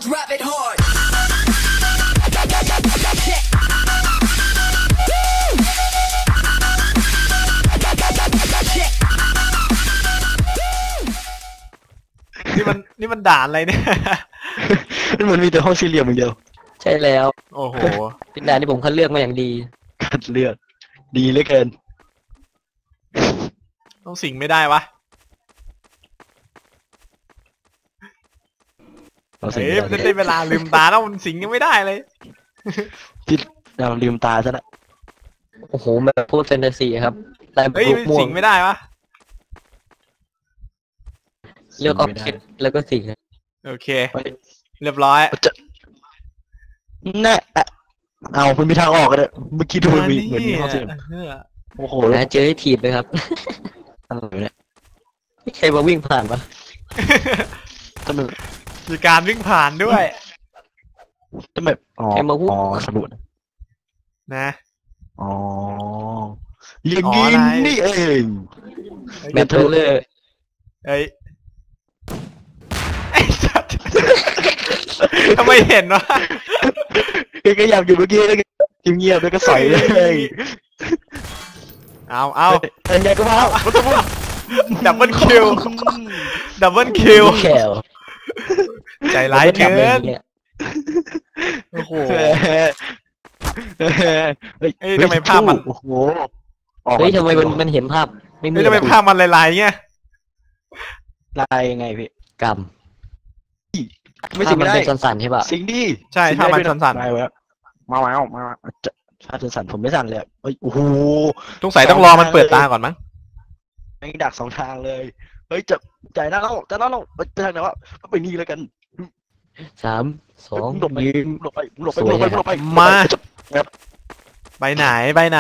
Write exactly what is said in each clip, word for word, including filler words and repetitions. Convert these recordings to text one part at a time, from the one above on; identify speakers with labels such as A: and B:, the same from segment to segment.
A: drop it hard
B: นี่มันนี่มันด่านอะไรเนี่ย
C: มันมีแต่ห้องสี่เหลี่ยมอย่างเดียว
D: ใช่แล้ว
B: โอ้โห
D: เป็นด่านที่ผมคัดเลือกมาอย่างดี
C: คัดเลือกดีเหลือเกิน
B: ต้องสิงไม่ได้วะเฮ้ยมันได้เวลาลืมตาแล้วมันสิงยังไม่ได้เลย
C: ที่เราลืมตาซะละ
D: โอ้โหมันพูดแฟนตาซีครับ
B: เฮ้ยสิงไม่ได้วะ
D: เลือกออบเจกต์แล้วก็สิง
B: โอเคเรียบร้อย
C: แน่เอาคุณมีทางออกกันเลยเมื่อกี้ดูมีเหมือนมีห้องสี่เหลี่ยมโอ้โห
D: แล้วเจอให้ถีบเลยครับ
C: อะไรเนี่ย
D: ใครมาวิ่งผ่านปะ
C: ทำไม
B: มีการวิ่งผ่านด้วย
C: ทำไมอ๋ออ๋อสมุด
B: นะ
C: อ๋ออย่างนี้นี่เอง
D: แมทเทอร์เลย
B: เอ้ยไอ้สัตว์ทำไมเห็นวะ
C: ก็อยากอยู่เมื่อกี้เงียบๆแล้วก็ใส่เลย
B: เอาเอา
C: อันใหญ่ก็มา
B: ดับเบิลคิวดับเบิลคิวใจร้ายเกินโอ้โหเฮ้ยทำไมภาพมัน
C: โอ้โห
D: เฮ้ยทำไมมันมันเห็นภาพ
B: ไม่มีทำไมภาพมันลายๆเงี้ย
C: ลายยังไงพี่
D: กรรม
C: ไม่สิงได้
D: เป็นสั่นๆใช่ป่ะ
C: สิงดี
B: ใช่ถ้ามันสั่น
C: ๆมาแล้วมาแล้วมาถ้าสั่นผมไม่สั่นเลยเฮ้ยโอ้โห
B: สงสัยต้องรอมันเปิดตาก่อนมั้ง
C: ไม่ดักสองทางเลยเฮ้ยจะใจหน้าเราจะหน้าเราไปทางไหนวะไปนี่แล้วกัน
D: สามสอง
C: หลบไปหลบไปหลบไปหลบไปหลบไป
B: มาไปไหนไปไหน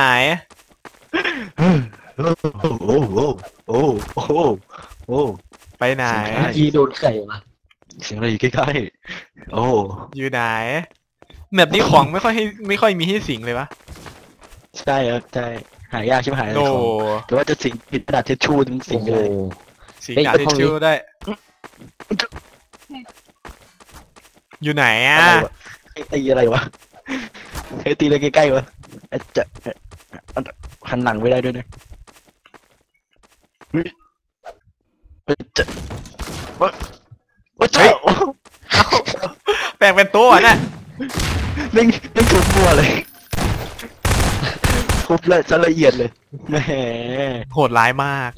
C: โอ้โหโอ้โหโอ้
B: ไปไหน
D: ยีโดนไข่มา
C: เสียงอะไรอยู่ใกล้ๆโอ้
B: อยู่ไหนแบบนี้ของไม่ค่อยให้ไม่ค่อยมีให้สิงเลยวะ
C: ใช่ครับใช่หายากใช่ไหมหายเลยของแต่ว่าจะสิงผิดกระดาษเทชชูถึงสิงเลย
B: สิงกระดาษเทชชูได้อยู่ไหนอ่ะ
C: ตีอะไรวะเฮ้ยตีอะไรใกล้ๆวะจะหันหลังไม่ได้ด้วยนะจะว่าว่าเจ้า
B: แปลงเป็นตัวน่ะ
C: ไม่ไม่ถูกมัวเลยทุบเลยจะละเอียดเลยแหม
B: โหดร้ายมาก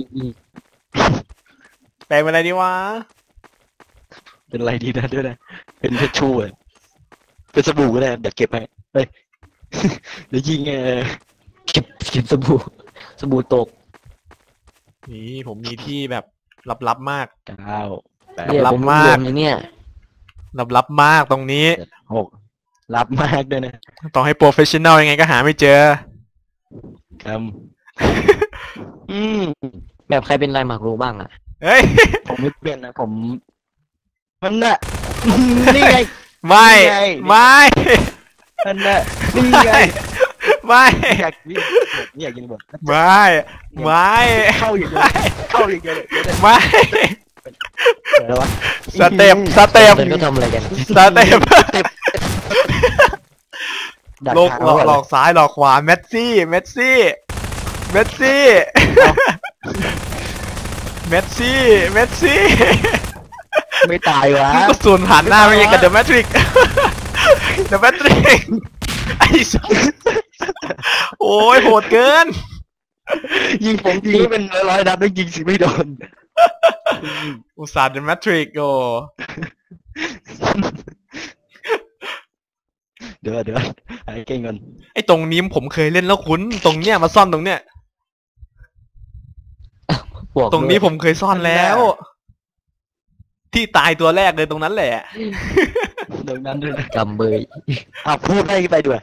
B: แปลงเป็นอะไรดีวะ
C: เป็นอะไรดีนะด้วยนะเป็นเพชรชูอ่ะเป็นสบู่ก็ได้เดี๋ยวเก็บให้เฮ้ยเดี๋ยวยิงไง
D: เก็บเก็บสบู่สบู่ตก
B: นี่ผมมีที่แบบลับๆมาก
C: เก้า
B: ลับมาก
D: เนี่ย
B: ลับๆมากตรงนี้
C: หกลับมากด้วยนะ
B: ต้องให้โปรเฟชชั่นแนลยังไงก็หาไม่เจอ
C: ครับอืม
D: แบบใครเป็นลายหมากรู้บ้างอ่ะ
B: เฮ้ย
C: ผมไม่เป็นนะผมมันน่ะนี่ไง
B: ไม่ไม่
C: มันน่ะนี่ไง
B: ไม่
C: อยากวิ่งอยากยิงบอล
B: ไม่ไม่
C: เข้าอย่างเดียวเข้าอย่างเดียว
B: ไม่สเต็ปสเต็ป
D: ก็ทำอะไรกัน
B: สเต็ปโลกหลอกหลอกซ้ายหลอกขวาเมสซี่เมสซี่เมสซี่เมสซี่เมสซี่
C: ไม่ตายวะ
B: ก็สูญผ่านหน้าไปยังกับเดอะแมทริกเดอะแมทริกไอ้สัสโอ้ยโหดเกิน
C: ยิงผมยิงเป็นร้อยนัดแล้วยิงสิไม่โดน
B: อุตส่าห์เดอะแมทริกโอ
C: เดี๋ยวเดี๋ยวไอ้เก่งกัน
B: ไอ้ตรงนี้ผมเคยเล่นแล้วคุ้นตรงเนี้ยมาซ่อนตรงเนี้ยตรงนี้ผมเคยซ่อนแล้วที่ตายตัวแรกเลยตรงนั้นแหละ
C: ตรงนั้นด้วย
D: กำเบย
C: อ่ะพูดให้ไปด้วย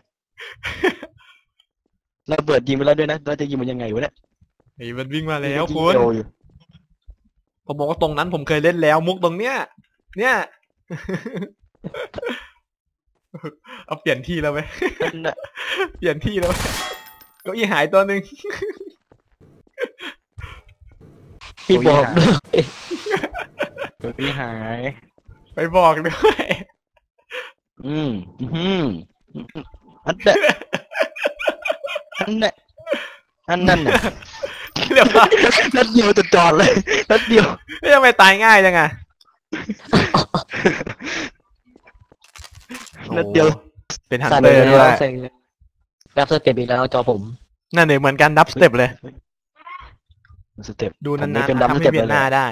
C: เราเปิดยิงไปแล้วด้วยนะเราจะยิงมันยังไงวะเนี่ย
B: ไอ้มันวิ่งมาแล้วคุณผมบอกว่าตรงนั้นผมเคยเล่นแล้วมุกตรงเนี้ยเนี่ยเอาเปลี่ยนที่แล้วไหมเปลี่ยนที่แล้วเก้าอี้หายตัวหนึ่ง
D: พี่บอกด้วย
C: เก้าอี้หาย
B: ไปบอกด้วย
C: อืมอืมอันเดะอันเดะอันนั้นน่ะ
B: เรียบร้อย
C: นัดเดียวจะจอดเลยนัดเดียว
B: ไม่ทำไมตายง่ายจังอะ
C: นัดเดียว
B: โอ้เป็นฮัน
D: สั่น
B: เตอร์
D: แล้
B: ด้ว
D: วย สั่นแล้วรับสเต็ปอีกแล้วจอผม
B: นั่นเนี่ยเหมือนกันดับสเต็ปเลย
C: สเต็ป
B: ดูนาน
C: ผม
B: ๆ
C: เป็นดับ
B: ทำ
C: ส
B: ให้
C: เต็ป
B: เปลี่ยนหน้า
C: เลย
B: ได้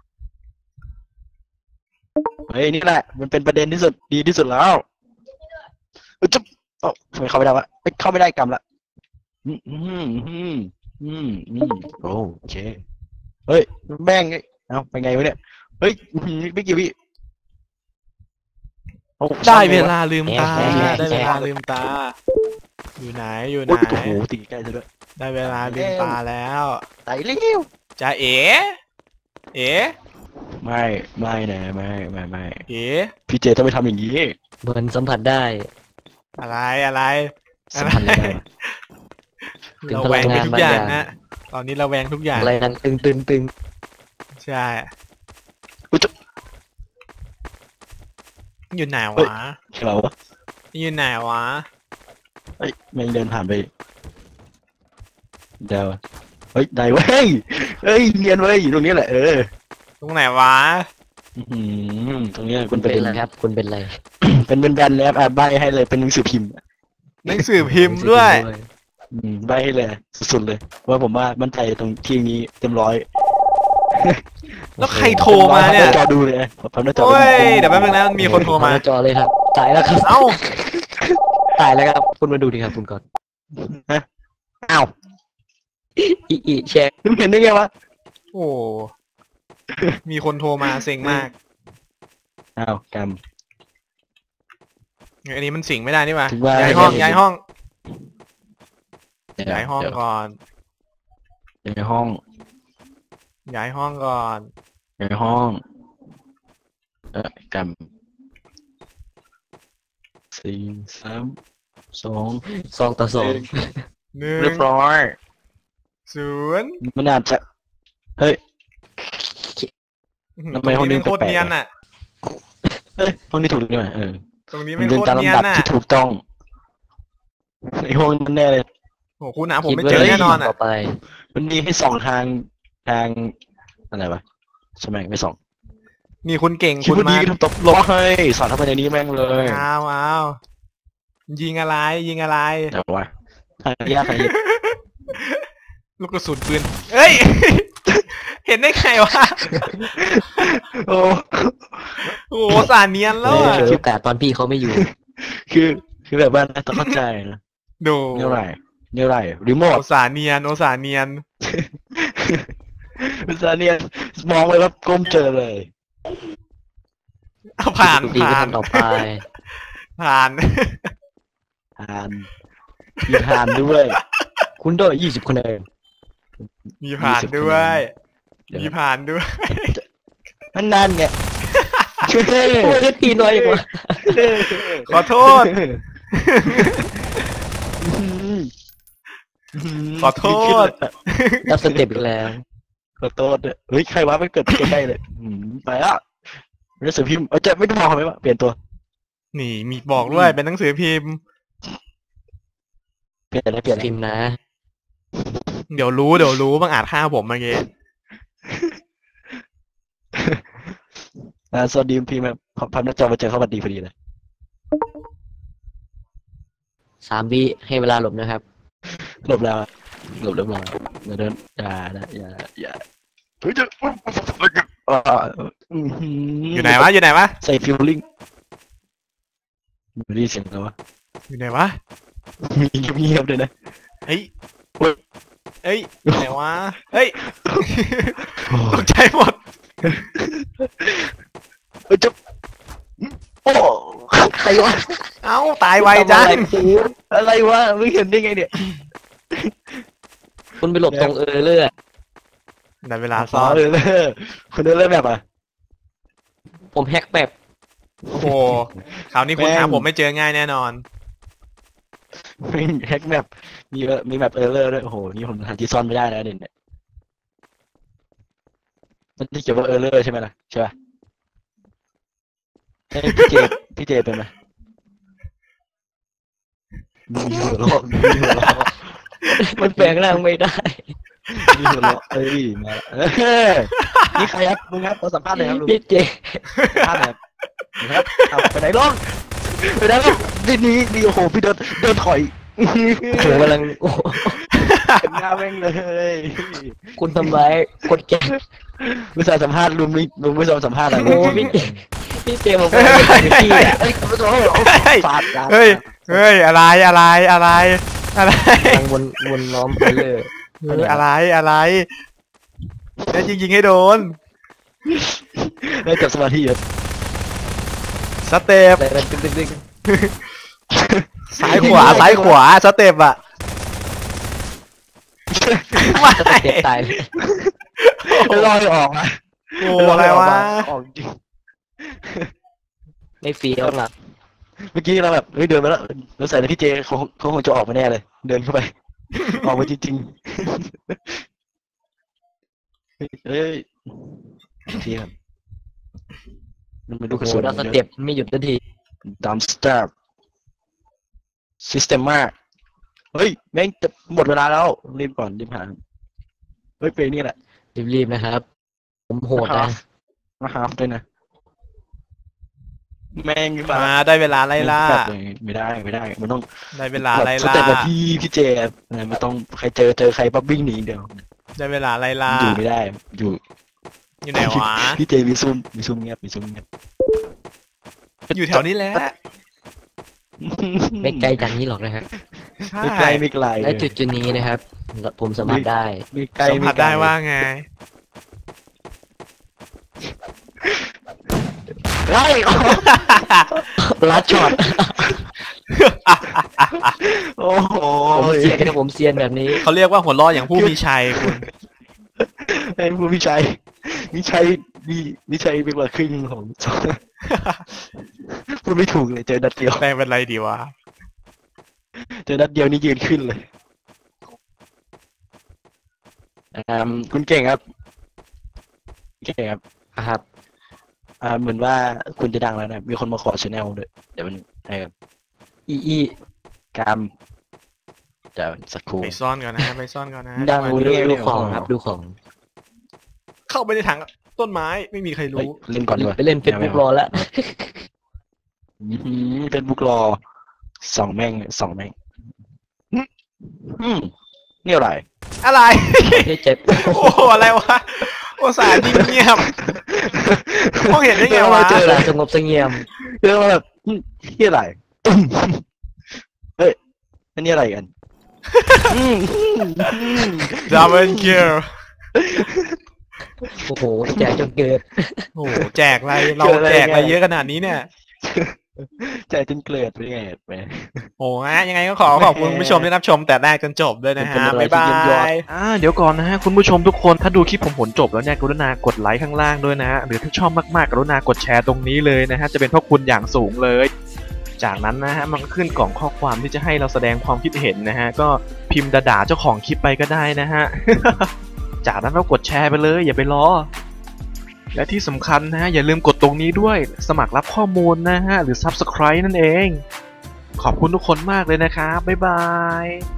C: เฮ้ยนี่แหละมันเป็นประเด็นที่สุดดีที่สุดแล้วเอ้ยจะเอ้าทำไมเข้าไม่ได้วะเอ้ยเข้าไม่ได้กำละอืมอืมอืมอืมอืมโอเคเฮ้ยแม่งเอ้ยเอ้าไปไงวะเนี่ยเฮ้ยอื้อหือไม่กี่วิอ้
B: ได้เวลาลืมตา
D: แอะแอะ
B: ได้เวลาลืมตา อยู่ไหนอยู่ไหน
C: โอ้ยโอ้โหตีใกล้ซะด้วย
B: ได้เวลาลืมตาแล้ว
C: ตายเร็ว
B: จะเอ๋เอ๋
C: ไม่ไม่นะไม่ไม่ไม่
B: เอ๋
C: พี่เจต้องไปทำอย่างนี้
D: เหมือนสัมผัสได้
B: อะไรอะไร
C: สัมพันธ์อะไรได้วะ
D: ถึง
B: เรา
D: พ
B: แว
D: ลั
B: ง
D: ง
B: ไป
D: งาน
B: ทุก
D: บาง
B: อย่า
D: อง ย่าง
B: นะตอนนี้เราแวงทุกอย่าง
D: อะไรนั่นตึงตึงตึง
B: ใช่
C: อุ๊ยจะ
B: อยู่ไหน
C: เฮ้ย
B: วะ
C: ใช่เราวะ
B: อยู่ไหนวะ
C: เฮ้ยแม่งเดินผ่านไปเดี๋ยวเฮ้ยได้เว้ยเฮ้ยเนียนเว้ยอยู่ตรงนี้แหละเออ
B: ตรงไหนวะ
C: อื้อหือตรงเนี้ย
D: คุ
C: คุณ ณ
D: เป็น
C: เป็น
D: อะไรครับ คุณเป็นอะไร
C: เป็นเป็นแบนแล้วอ่ะใบให้เลยเป็นหนังสือพิมพ์
B: หนังสือพิมพ์ด้วย
C: อืมใบให้เลยสุดๆเลยว่าผมว่ามั่นใจตรงที่นี้เต็มร้อย
B: แล้วใครโทรมาเนี่ย
C: จอดูเลยพับหน้าจอ
B: โอ้ยเดี๋ยวแป๊บนึงนะมีคนโทรมา
D: หน้จอเลยครับตายแล้วครับ
B: เอ้า
D: ตายแล้วครับ คุณมาดูดิครับคุณก่อน
C: อ้าว
D: อีอีแชร์
C: มึงเห็นได้ไงวะ
B: โอ้ มีคนโทรมาเซ็งมาก
C: อ้าวกรรม
B: อันนี้มันสิงไม่ได้นี่หว่า
C: ถึงว่า
B: ย้ายห้อง
C: ไม่ได้
B: ย้ายห้อง
C: เดี๋ว
B: ย้ายห้อง
C: เดี๋ว
B: ก่อน
C: ย้ายห้อง
B: ย้ายห้องก่อน
C: ย้ายห้อง เออกรรมสี่สามสอง
D: สองต่อสอง
B: หนึ่ง
C: เรียบร้อย
B: ศูนย์
C: มันอาจจะเฮ้ย ทำไมห้องนี้
B: ตรงโคตร
C: แปลกๆ
B: เนียนอ่ะ
C: เฮ้ยห้องนี้ถูกนี่หว่าเออ
B: ตรงนี้
C: มั
B: ไม่
C: น
B: โค
C: เป็น
B: ตร
C: ตาม
B: เนียน
C: ลำดับ
B: อ่ะ
C: ที่ถูกต้องไอห้องนั้นแน่เลย
B: โหคุณหาผมไม่
D: คิด
B: เจอ
D: ว่า
B: แน่นอน
D: ต่
B: อ่ะ
D: อไป
C: มันมีให้สองทางทางอะไรวะใช่ไหมไม่สอง
B: นี่คุณเก่ง
C: คิด
B: คุณ
C: ว่าดี
B: มา
C: ก็ทำตบล้อให้สอนทำไปในนี้แม่งเลย
B: อ้าวอ้าวยิงอะไรยิงอะไร
C: แต่ว่าทางยากทางยาก
B: ลูกกระสุนปืนเอ้ย เห็นได้ไงวะ
C: โอ้
B: โอ้โหสาเนียนแล้ว
D: เอ
B: อ่ะ
D: อโอกาสตอนพี่เขาไม่อยู่
C: คือคือแบบว่าต้องเข้าใจนะ
B: ดู
C: เนี่ยไรเนี่ยไรรีโม
B: โอ
C: ท
B: สาเนียนโอสาเนียน
C: ภาษาเนี่ยมองไปว่าก้มเจอเลย
B: เอาผ่าน
D: ดีก็
B: ผ่าน
D: ทำต่อไป
B: ผ่าน
C: ทานมีทานด้วย
D: คุณได้ยี่สิบคะแนน
B: มีผ่านด้วย
C: เดี๋ยว
B: มีผ่านด้วย
C: นั่นนั่นไง
D: โอ้ยตีน้อยอย่างวะ
B: ขอโทษ ขอโทษ
D: รับสเต็ปอีกแล้ว
C: ขอโทษด้วยเฮ้ยใครวะไม่เกิดใกล้ๆเลยอืมไปอ่ะหนังสือพิมพ์เออจะไม่ต้องบอกไหมว่าเปลี่ยนตัว
B: นี่มีบอกด้วยเป็นหนังสือพิมพ์
C: เปลี่ยนอะไรเปลี่ยนอะไร
D: พิมพ์นะ
B: เดี๋ยวรู้เดี๋ยวรู้บางอาจฆ่าผมเมื่อกี้
C: อ่าสวัสดีพิมพ์แบบพับหน้าจอมาเจอเข้ามาดีพอดีเลย
D: สามวิให้เวลาหลบนะครับ
C: หลบแล้วอะหลบเรียบร้อยอย่าเดินอย่านะอย่าอย่าเฮ้ยจะอ่าอื้อหือ
B: อยู่ไหนวะอยู่ไหนวะ
C: ใส่ฟิลลิ่งไม่ได้ยินเสียงแล้ววะ
B: อยู่ไหนวะ
C: มีเงียบๆเลยนะ
B: เฮ้ย
C: เฮ้ย
B: เฮ้ยอยู่ไหนวะเฮ้ย ตกใจหมด
C: เฮ้ยจะโอ้ใครวะ
B: เอ้าตายไวจัง
C: อะไรวะไม่เห็นได้ไงเนี่ย
D: คุณไปหลบตรงเออเลือด
B: ได้เวลาซ้อน
C: เออเลยคนเดินเล่นแบบอ่ะ
D: ผมแฮกแบบ
B: โอ้โหคราวนี้คุณ
C: แม่ง
B: หาผมไม่เจอง่ายแน่นอน
C: ไม่แฮกแมปมีมีแมปเออร์เลอร์ด้วยโอ้โหนี่ผมหาที่ซ่อนไม่ได้แล้วเนี่ยมันที่เขียนว่าเออร์เลอร์ใช่ไหมล่ะใช่ป่ะเฮ้ยพี่เจพี่เจเป็นไหมมีหัวเราะมีหัวเราะ
D: มันแปลงร่างไม่ได้
C: มีหัวเราะเอ้ยมาเอ้ยนี่ใครครับลุงครับขอสัมภาษณ์หน่อยครับลุง
D: พี่เจ
C: สัมภาษณ์หน่อยครับนะครับเอาไปไหนลงไปไหนลงนี่นี่นี่โอ้โหพี่เดินเดินถอย
D: โอ้โหกำลังโอ้โห
C: เป็นหน้าแม่งเลย
D: คุณทำร้ายคนแก่
C: ไม่ใช่สัมภาษณ์ลุงไม่ลุงไม่ยอมสัมภาษณ์อะไร
D: โอ้พี่เจพี่เจบอกว่าเป็นพี่อ่ะ
C: เฮ้ยขอโทษฟาดกัน
B: เฮ้ยเฮ้ยอะไรอะไรอะไรอะไร
D: กำลังวนวนล้อมไปเลย
B: เอออะไรอะไรแล้วยิงยิงให้โดน
C: ได้จับสมาธิเยอะ
B: สเต็ป
D: แต่มันตึ๊งตึ๊งตึ๊ง
B: ซ้ายขวาซ้ายขวาสเต็ปอะไม่
D: จะเจ็บตายเลย
C: ลอยออกนะ
B: โอ้อะไรวะ
C: ออกจริง
D: ไม่เฟี้ยวหรอก
C: เมื่อกี้เราแบบเฮ้ยเดินไปแล้วเราใส่ในพี่เจเขาเขาคงจะออกมาแน่เลย เดินเข้าไป ออกมาจริงๆเฮ้ยเทียมมันเป็นลูกก
D: โอ้
C: ระ
D: โห
C: สุน
D: แล้วสเต็ปไม่หยุดสักที
C: ดัมสเตอร์ซิสเต็มมากเฮ้ยแม่งจะหมดเวลาแล้วรีบก่อนรีบหาเฮ้ยเพลงนี้แหละ
D: รีบๆนะครับ ผมโหดนะ
C: มาฮาฟด้วยนะแม่งแบบ
B: มาได้เวลาไล่ล่า
C: ไม่ได้ไม่ได้มันต้อง
B: ได้เวลาไล่
C: ส
B: ล่า
C: เต็ปแบบพี่พี่เจไม่ต้องใครเจอเจอใครปั๊บวิ่งหนีเดียว
B: ได้เวลาไล่ล่า
C: อยู่ไม่ได้อยู่
B: อยู่ไหนวะ
C: พี่เจมีซุ่มมีซุ่มเงียบมีซุ่มเงียบ
B: อยู่แถวนี้แหละ
D: ไม่ไกลจากนี้หรอกนะครับ
B: ใช่
C: ไม่ไกลไม่ไกล
D: และจุดจุดนี้นะครับ ผมสามารถได้
C: ไม่ไกล
B: สัมผัสได้ว่าไง
C: ไล่
D: ลัดช็อต
C: โอ้โห
D: ผมเซียนนะผมเซียนแบบนี้
B: เขาเรียกว่าหัวล้ออย่างผู้มีชัยคุณ
C: ไอ้ผู้พิชัยวิชัยมีวิชัยเป็นกว่าครึ่งของ พูดไม่ถูกเลยเจอนัดเดียว
B: แปลงเป็นไรดีวะ
C: เจอนัดเดียวนี่ยืนขึ้นเลยอ่าคุณเก่งครับเก่งครับ
D: ครับ
C: อ่าเหมือนว่าคุณจะดังแล้วนะมีคนมาขอชแนลด้วยเดี๋ยวมันให้ครับ
D: อีอี
C: กรรมเดี๋ยวสักครู่
B: ไปซ่อนก่อนนะไปซ่อนก่อนนะ
C: ดัง
B: จังหวะ
D: ดู
B: นี้
D: ดูของครับดูของ
B: เข้าไปในถังต้นไม้ไม่มีใคร
C: เฮ้ย
B: รู้
C: เล่นก่อนดีกว่า
D: ไปเล่นเฟซบุ๊กรอแล้ว
C: เฟซบุ๊กรอสองแม่งสองแม่งอืมอืมนี่อะไร
B: อะไร
D: ไม่เจ็บ
B: โอ้โหอะไรวะโอสานิ่งเงียบมองเห็นได้ไงวะ
C: เจอ
D: สาสงบเสงี่ยม
C: เรื่องแบบอืมนี่อะไรตุ้มเฮ้ยอันนี้อะไรกันอืมอืม
B: ดับเบิลคิว
D: โอ้โหแจกจนเกิด
B: โอ้โหแจกอะไรเราแจกอะไรเยอะขนาดนี้เนี่ย
C: ใจจนเกลียดไปไงไป
B: โอ้ฮะยังไงก็ขอขอบคุณผู้ชมที่รับชมแต่แรกจนจบด้วยนะฮะ
C: เป็นอะไร
B: บ๊ายบา
C: ที่เยี่ยมยอด
B: ยอ่าเดี๋ยวก่อนนะฮะคุณผู้ชมทุกคนถ้าดูคลิปผมผลจบแล้วเนี่ยกรุณากดไลค์ข้างล่างด้วยนะฮะหรือถ้าชอบมากๆกรุณากดแชร์ตรงนี้เลยนะฮะจะเป็นพระคุณอย่างสูงเลย จากนั้นนะฮะมันก็ขึ้นกล่องข้อความที่จะให้เราแสดงความคิดเห็นนะฮะก็พิมพ์ด่าๆเจ้าของคลิปไปก็ได้นะฮะ จากนั้นก็กดแชร์ไปเลยอย่าไปรอและที่สำคัญนะฮะอย่าลืมกดตรงนี้ด้วยสมัครรับข้อมูลนะฮะหรือ ซับสไครบ์ นั่นเองขอบคุณทุกคนมากเลยนะครับบ๊ายบาย